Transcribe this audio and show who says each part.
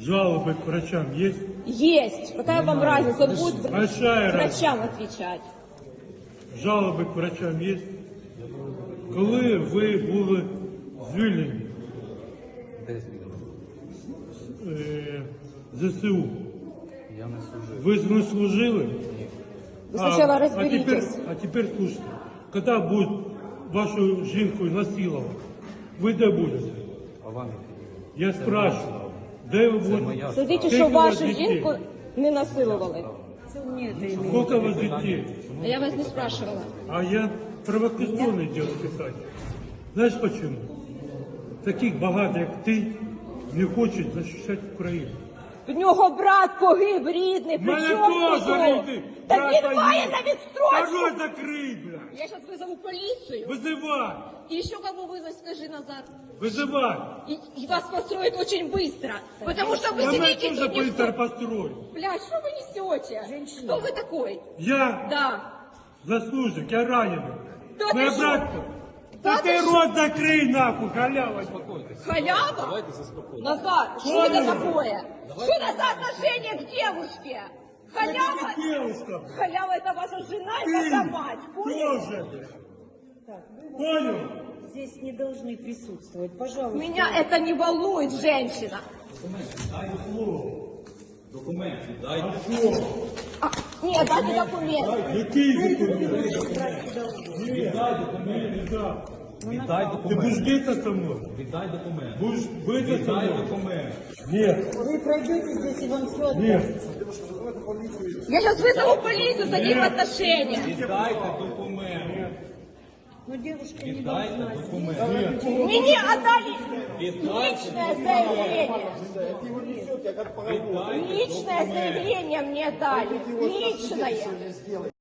Speaker 1: Жалобы к врачам есть?
Speaker 2: Есть. Какая вам разница? Он будет
Speaker 1: Большая
Speaker 2: врачам отвечать.
Speaker 1: Жалоби к врачам є? Коли ви були звільнені ЗСУ?
Speaker 3: Я не служив.
Speaker 1: Ви не служили?
Speaker 2: Вы сначала разберитесь.
Speaker 1: А теперь слушайте, когда будет вашу жінку насилувати, ви де будете?
Speaker 3: А вам
Speaker 1: Я спрашиваю, де ви будете?
Speaker 3: моя
Speaker 2: Следите,
Speaker 1: Скільки
Speaker 2: що
Speaker 1: у вас
Speaker 2: вашу
Speaker 1: дітей?
Speaker 2: жінку не насилували.
Speaker 1: Сколько у вас детей?
Speaker 2: А я вас не спрашивала.
Speaker 1: А я провокационное дело писать. Знаешь почему? Таких багато, як ти, не хочуть захищати Україну.
Speaker 2: В нього брат погиб рідний, при
Speaker 1: Мене
Speaker 2: чому
Speaker 1: теж
Speaker 2: тут?
Speaker 1: рідний
Speaker 2: Так
Speaker 1: брат
Speaker 2: він має
Speaker 1: є.
Speaker 2: на відстрочку.
Speaker 1: Рот закрий, блядь!
Speaker 2: Я сейчас вызову полицию.
Speaker 1: Визивай!
Speaker 2: И еще кого вызвать, скажи назад.
Speaker 1: Визивай!
Speaker 2: И вас построят очень быстро. Потому что вы
Speaker 1: Мене
Speaker 2: сидите
Speaker 1: теж
Speaker 2: тут.
Speaker 1: быстро построить.
Speaker 2: Блядь, что вы несете? Кто вы такой?
Speaker 1: Я
Speaker 2: Да.
Speaker 1: заслужник, я ранений.
Speaker 2: Та ти
Speaker 1: Моя
Speaker 2: що?
Speaker 1: братка.
Speaker 2: Та
Speaker 1: Та
Speaker 2: ти
Speaker 1: ти
Speaker 2: що?
Speaker 1: рот закрий, нахуй, халява.
Speaker 2: Халява? Назад. Что это такое? Что это за отношение к девушке? Халява?
Speaker 1: Девушка,
Speaker 2: Халява это ваша жена и
Speaker 1: ты
Speaker 2: ваша мать. Понял?
Speaker 1: тоже. Понял?
Speaker 4: Здесь не должны присутствовать, пожалуйста.
Speaker 2: Меня это не волнует, женщина. А, нет, дайте документы.
Speaker 1: Який документ?
Speaker 3: віддай
Speaker 1: Ти
Speaker 3: документ.
Speaker 1: будеш битися со мною?
Speaker 3: Віддай документ.
Speaker 1: Будеш битися со
Speaker 3: Віддай
Speaker 1: мною?
Speaker 3: документ.
Speaker 1: Нет,
Speaker 4: Вы пройдете здесь, и вам все
Speaker 1: нет.
Speaker 2: Я сейчас вызову полицию за них отношения.
Speaker 3: Віддайте документ.
Speaker 4: Но девушка не
Speaker 3: Віддайте
Speaker 4: должна.
Speaker 3: документ.
Speaker 2: Мне отдали
Speaker 3: Віддайте
Speaker 2: личное заявление.
Speaker 3: Віддайте
Speaker 2: Личное заявление мне дали. Личное.